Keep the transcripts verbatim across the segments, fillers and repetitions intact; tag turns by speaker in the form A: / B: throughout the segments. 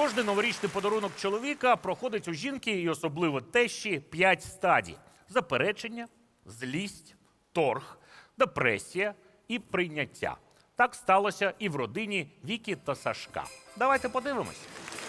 A: Кожний новорічний подарунок чоловіка проходить у жінки і особливо тещі п'ять стадій: заперечення, злість, торг, депресія і прийняття. Так сталося і в родині Віки та Сашка. Давайте подивимось.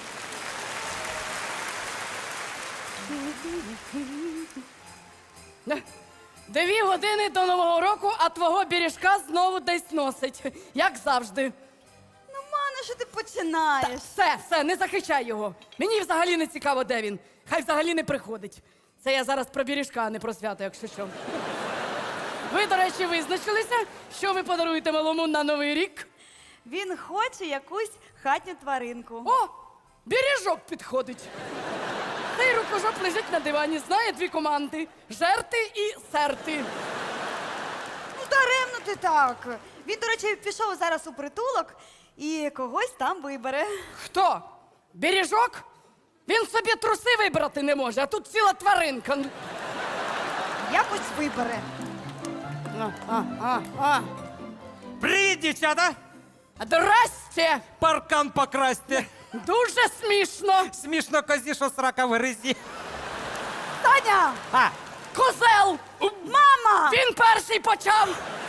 B: Дві години до Нового року, а твого бережка знову десь носить. Як завжди.
C: Ну, мано, що ти починаєш?
B: Все, все, не захищай його. Мені взагалі не цікаво, де він. Хай взагалі не приходить. Це я зараз про бережка, а не про свято, якщо що. Ви, до речі, визначилися, що ви подаруєте малому на Новий рік?
C: Він хоче якусь хатню тваринку.
B: О, бережок підходить. Цей рукожоп лежить на дивані, знає дві команди – жерти і серти.
C: Ну, даремно ти так. Він, до речі, пішов зараз у притулок і когось там вибере.
B: Хто? Бережок? Він собі труси вибрати не може, а тут ціла тваринка.
C: Якось вибере.
B: А, а, а, а.
D: Привіт, дівчата!
B: Здрасте!
D: Паркан покрасьте.
B: Дуже смішно.
D: Смішно козі, що срака в гризі.
C: Таня!
D: А,
B: Козел!
C: Мама!
B: Він перший почав.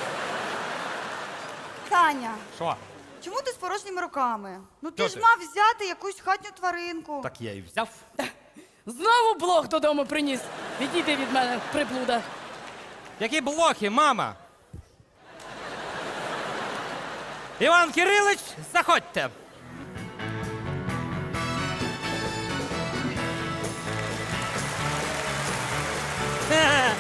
C: Таня,
D: що?
C: чому ти з порожніми руками? Ну ти
D: Що
C: ж
D: ти?
C: мав взяти якусь хатню тваринку.
D: Так я і взяв.
B: Знову блох додому приніс. Відійди від мене, приблуда.
D: Які блохи, мама? Іван Кирилич, заходьте. Е,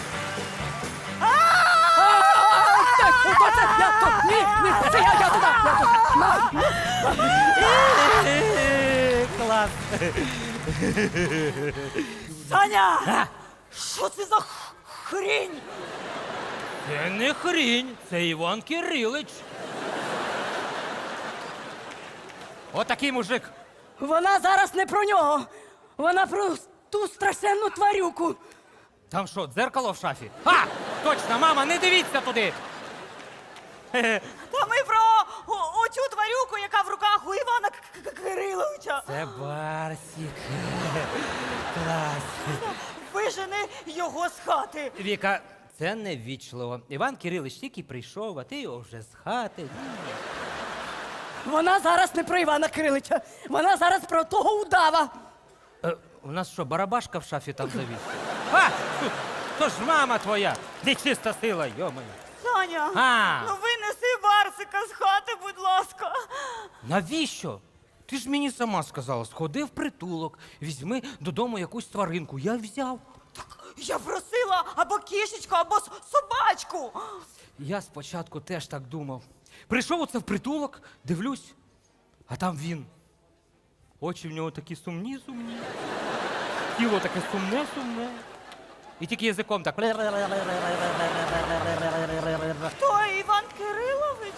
B: Так, хто це? Я тут. Ні, ні, це я, я туди. Я туди.
D: Клас.
C: Таня! Що це за х- хрінь?
D: Це не хрінь, це Іван Кирилич. Отакий мужик.
B: Вона зараз не про нього. Вона про ту страшенну тварюку.
D: Там що, дзеркало в шафі? А, точно, мама, не дивіться туди. Хе-хе.
C: Та ми про о- оцю тварюку, яка в руках у Івана К- К- Кириловича.
D: Це Барсік. Клас.
C: Вижени його з хати.
D: Віка, це неввічливо. Іван Кирилич тільки прийшов, а ти його вже з хати.
B: Вона зараз не про Івана Кирилича. Вона зараз про того удава.
D: Е, у нас що, барабашка в шафі там завіс? А, то ж мама твоя, нечиста сила, йомаю.
C: Таня,
D: А.
C: ну винеси Барсика з хати, будь ласка.
D: Навіщо? Ти ж мені сама сказала, сходи в притулок, візьми додому якусь тваринку. Я взяв.
C: Я просила або кішечку, або с- собачку.
D: Я спочатку теж так думав. Прийшов оце в притулок, дивлюсь, а там він. Очі в нього такі сумні, сумні. Тіло таке сумне, сумне. І тільки язиком так.
C: Хто, Іван Кирилович?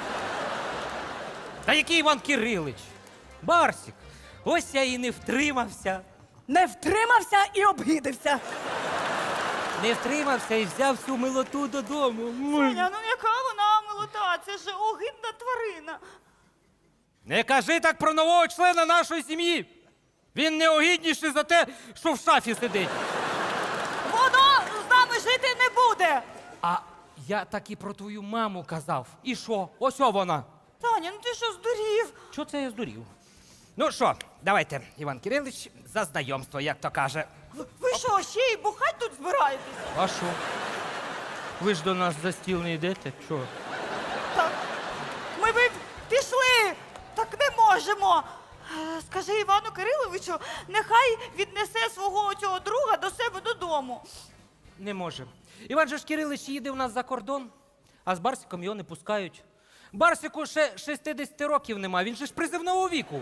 D: Та який Іван Кирилич? Барсік. Ось я і не втримався.
B: Не втримався і обгидився.
D: Не втримався і взяв всю милоту додому.
C: Таня, ну яка вона милота? Це ж огидна тварина.
D: Не кажи так про нового члена нашої сім'ї. Він неогідніший за те, що в шафі сидить.
C: Воно з нами жити не буде.
D: А я так і про твою маму казав. І що? Ось о вона.
C: Таня, ну ти що здурів?
D: Що це я здурів? Ну що, давайте, Іван Кирилич, за знайомство, як то каже.
C: Ви- Ви що, ще й бухать тут збираєтесь?
D: А що? Ви ж до нас за стіл не йдете? Чого?
C: Так, ми би пішли, так не можемо. Е, Скажи Івану Кириловичу, нехай віднесе свого цього друга до себе додому.
D: Не може. Іван же ж Кирилич їде у нас за кордон, а з Барсиком його не пускають. Барсику ще шістдесят років нема, він же ж призивного віку.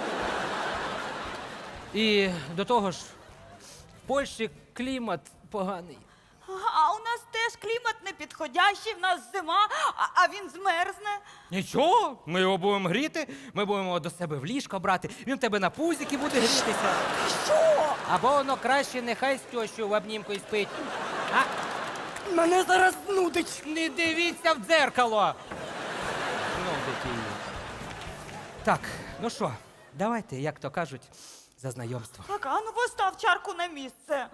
D: І до того ж, в Польщі клімат поганий.
C: А у нас теж клімат непідходящий, в нас зима, а, а він змерзне.
D: Нічого, ми його будемо гріти, ми будемо його до себе в ліжко брати, він в тебе на пузіки буде грітися.
C: Що?
D: Або воно краще нехай з тещою в обнімку і спить. А
B: Мене зараз нудить.
D: не дивіться в дзеркало. Ну, дитині. Так, ну що, давайте, як то кажуть, за знайомство.
C: Так, а ну постав чарку на місце.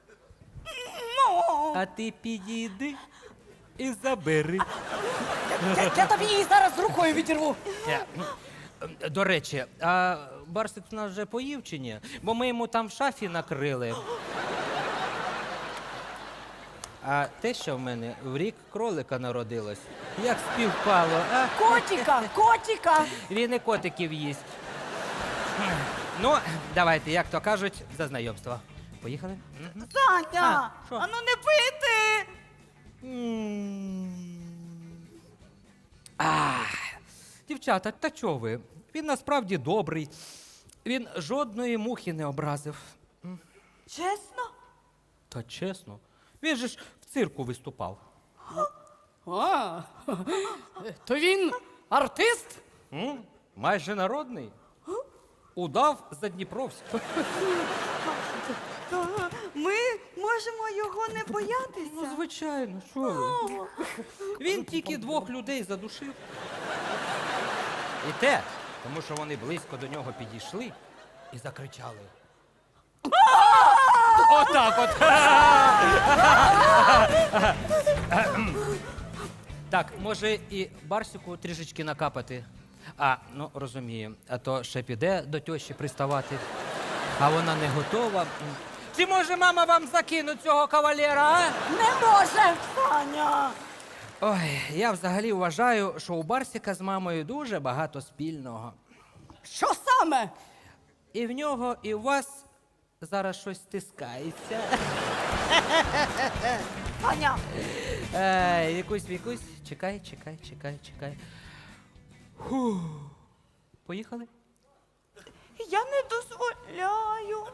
C: Ну,
D: А ти підійди і забери.
B: Я, я тобі її зараз рукою відірву.
D: Е, ну, е, До речі, а Барсик у нас вже поїв чи ні? Бо ми йому там в шафі накрили. А те, що в мене в рік кролика народилось, як співпало, а?
B: Котіка, котіка.
D: Він і котиків їсть. Ну, давайте, як то кажуть, за знайомство. Поїхали? Мгм.
C: Саня,
D: А, що?
C: а ну не пити.
D: Ах, дівчата, та чого ви? Він насправді добрий. Він жодної мухи не образив.
C: Чесно?
D: Та чесно, він же ж в цирку виступав.
B: А, то він артист?
D: М? Майже народний. Удав Задніпровськ.
C: То ми можемо його не
D: Ну,
C: боятися.
D: звичайно, що ви? Він тільки двох людей задушив. І те, тому що вони близько до нього підійшли і закричали. Отак от. Так, може і Барсику трішечки накапати. А, ну розумію, а то ще піде до тьощі приставати, а вона не готова. Чи може мама вам закинуть цього кавалера, а?
B: Не може.
C: Саня.
D: Ой, я взагалі вважаю, що у Барсика з мамою дуже багато спільного.
B: Що саме?
D: І в нього, і у вас зараз щось стискається.
C: Саня.
D: Е, Вікусь, Вікусь, чекай, чекай, чекай, чекай. Фу. Поїхали?
C: Я не дозволяю.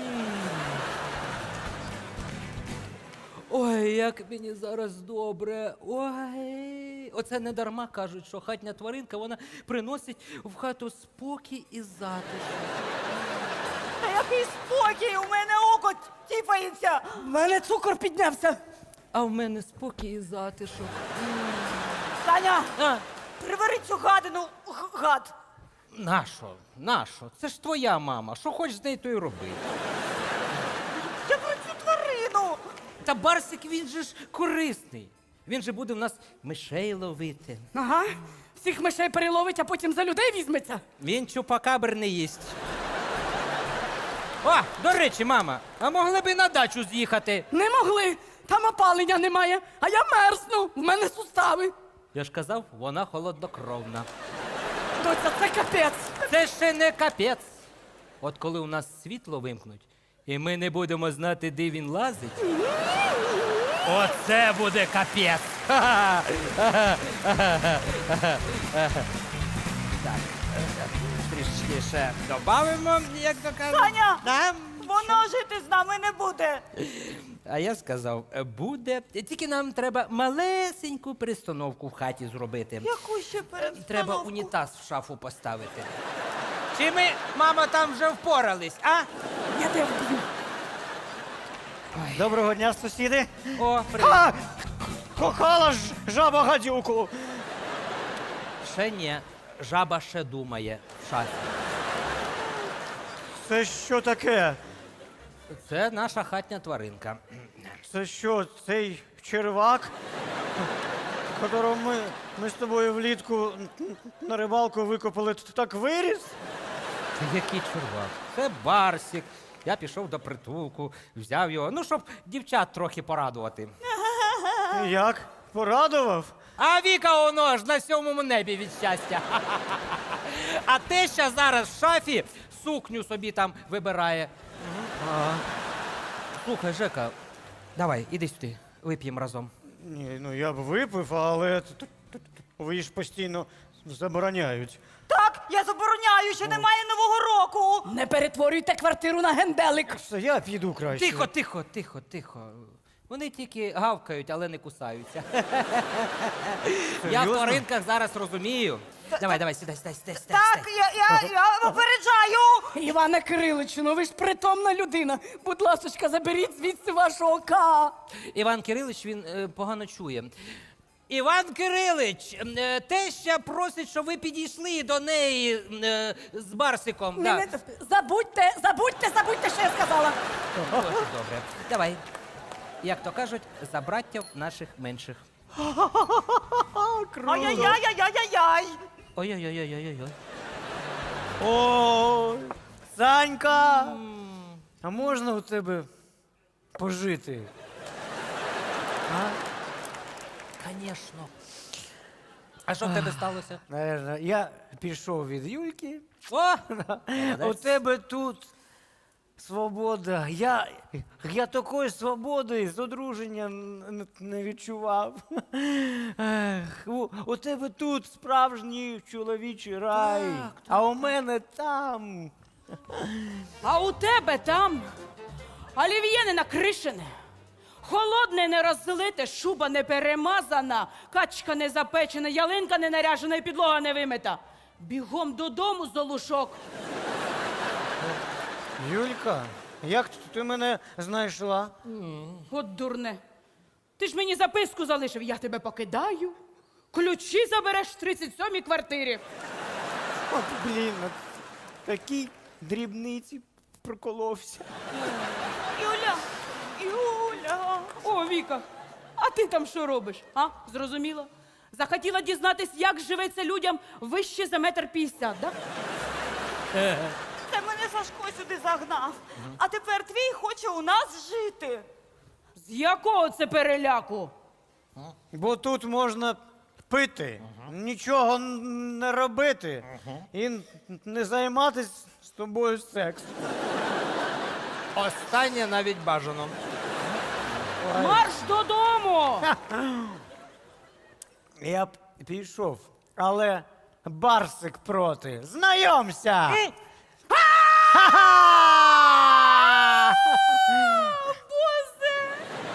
D: Ой, як мені зараз добре. Ой. Оце не дарма кажуть, що хатня тваринка, вона приносить в хату спокій і затишок.
C: Та який спокій, у мене око тіпається.
B: В мене цукор піднявся.
D: А в мене спокій і затишок.
C: Саня,
D: А,
C: прибери цю гадину, г- гад.
D: нащо? Нащо? Це ж твоя мама. Що хочеш з нею, то й роби.
C: Я про цю тварину.
D: Та Барсик, він же ж корисний. Він же буде в нас мишей ловити.
B: Ага. Всіх мишей переловить, а потім за людей візьметься.
D: Він чупакабр не їсть. О, до речі, мама, а могли б і на дачу з'їхати?
B: Не могли. Там опалення немає, а я мерзну. В мене сустави.
D: Я ж казав, вона холоднокровна.
B: Доця, це капець.
D: Це ще не капець. От коли у нас світло вимкнуть, і ми не будемо знати, де він лазить. Оце буде капець. Так, трішки ще додамо, як то кажуть.
C: Саня!
D: Да?
C: Воно жити з нами не буде.
D: А я сказав, буде. Тільки нам треба малесеньку перестановку в хаті зробити.
C: Яку ще перестановку?
D: Треба унітаз в шафу поставити. Чи ми, мама, там вже впорались, а?
B: Я тебе вб'ю.
E: Доброго дня, сусіди.
D: О, привіт.
E: А! Кохала ж жаба гадюку.
D: Ще ні. Жаба ще думає в шафі.
E: Це що таке?
D: Це наша хатня тваринка.
E: Це що, цей червак, которого ми, ми з тобою влітку на рибалку викопали, т- так виріс?
D: Та який чувак? Це Барсик. Я пішов до притулку, взяв його, ну, щоб дівчат трохи порадувати.
E: Як? Порадував?
D: А Віка воно ж на сьомому небі від щастя. А те, що зараз в шафі сукню собі там вибирає. Ага. Слухай, Жека, давай, іди сюди, вип'ємо разом.
E: Ні, ну я б випив, але т- т- т- ви ж постійно забороняють.
C: Так, я забороняю, що немає нового року.
B: Не перетворюйте квартиру на генделик.
E: Все, я піду краще.
D: Тихо, тихо, тихо, тихо. Вони тільки гавкають, але не кусаються. Я в
E: Серйозно?
D: тваринках зараз розумію. Давай, давай, сідай, сідай, сідай, сідай.
C: Так,
D: сідай.
C: я, я, я попереджаю.
B: Іване Кириличу, ну ви ж притомна людина. Будь ласочка, заберіть звідси вашого ка.
D: Іван Кирилич, він е, погано чує. Іван Кирилич, е, теща просить, щоб ви підійшли до неї е, з Барсиком.
B: Не,
D: Да.
B: не, забудьте, забудьте, забудьте, що я сказала.
D: Ось, добре. Давай. Як то кажуть, за браттів наших менших.
C: Ай-яй-яй-яй-яй-яй!
D: Ой-ой-ой-ой-ой-ой.
E: Ой, Санька! А можна у тебе пожити?
D: Звісно. А що в тебе сталося?
E: Наверно, я пішов від Юльки.
D: О!
E: У тебе тут свобода. Я, я такої свободи з одруження н- не відчував. Ех, у, у тебе тут справжній чоловічий рай, а у мене там.
B: А у тебе там олів'є не накришене, холодне не розлите, шуба не перемазана, качка не запечена, ялинка не наряжена і підлога не вимита. Бігом додому, Золушок.
E: Юлька, як ти мене знайшла?
B: От дурне. Ти ж мені записку залишив, я тебе покидаю. Ключі забереш в тридцять сьомій квартирі.
E: От, блін, от такі дрібниці проколовся.
C: Юля! Юля!
B: О, Віка, а ти там що робиш? А? Зрозуміла? Захотіла дізнатись, як живеться людям вище за метр п'ятдесят, да?
C: Це мене Сашко сюди загнав. А тепер твій хоче у нас жити.
B: З якого це переляку?
E: Бо тут можна пити, нічого н- не робити і н- не займатися з тобою сексом.
D: Останнє навіть бажано.
B: Марш додому!
E: Я б пішов, але Барсик проти. Знайомся! Ха-ха!
C: Боже!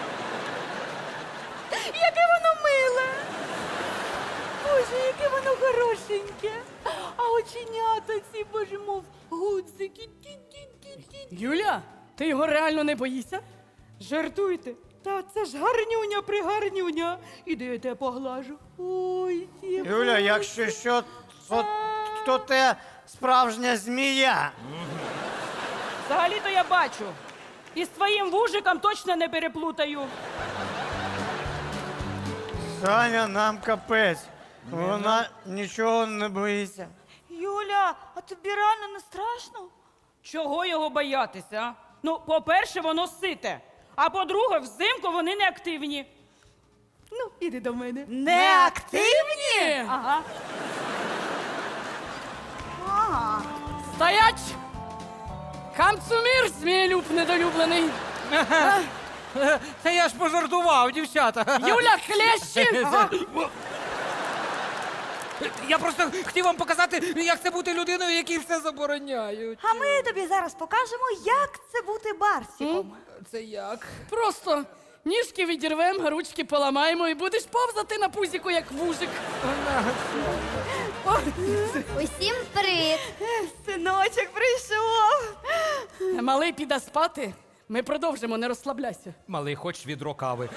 C: Яке воно миле! Боже, яке воно хорошеньке! А оченята ці, боже, мов гудзики. Ті-ті-ті-ті.
B: Юля, ти його реально не боїшся? Жартуйте. Та це ж гарнюня пригарнюня. Іди я тебе поглажу. Ой, ті.
E: Юля, якщо що, то, то те справжня змія.
B: Взагалі-то я бачу. І з твоїм вужиком точно не переплутаю.
E: Саня, нам капець. Вона нічого не боїться.
C: Юля, а тобі реально не страшно?
B: Чого його боятися? А? Ну, по-перше, воно сите. А по-друге, взимку вони не активні. Ну, іди до мене.
C: Не активні?
B: Ага.
C: Ага.
B: Стоять! Камцумір, змієлюб недолюблений.
D: Та я ж пожартував, дівчата.
B: Юля, хлещі! Ага.
D: Я просто хотів вам показати, як це бути людиною, якій все забороняють.
C: А ми тобі зараз покажемо, як це бути барсиком.
D: Це як?
B: Просто ніжки відірвемо, ручки поламаємо і будеш повзати на пузіку, як вужик.
F: Усім привіт!
C: Синочок прийшов.
B: Малий піде спати. Ми продовжимо, не розслабляйся.
D: Малий, хоч відро кави.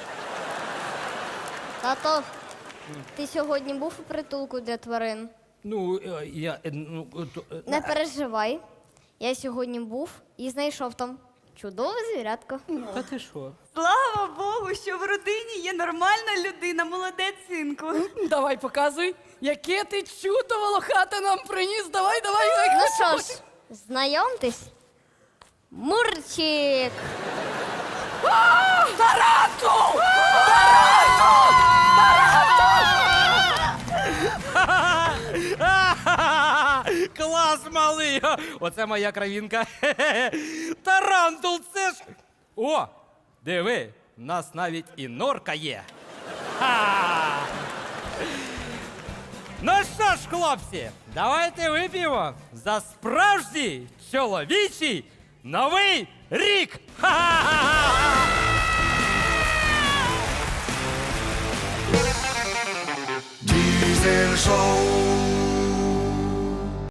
F: Тато, ти сьогодні був у притулку для тварин?
D: Ну, е, я. е, Ну, е, то, е,
F: Не переживай. Я сьогодні був і знайшов там чудове звірятко.
D: Та ти що?
C: Слава Богу, що в родині є нормальна людина, молодець, синку.
B: Давай, показуй, яке ти чудо волохате нам приніс. Давай, давай, давай.
F: Ну що ж, знайомтесь. Мурчик!
B: Тарантул!
D: Клас, малий! Оце моя кравінка. Тарантул, це ж. О! Диви, в нас навіть і норка є. Ха! Ну що ж, хлопці, давайте вип'ємо за справжній чоловічий новий рік! Ха-ха-ха!
G: Diesel Show.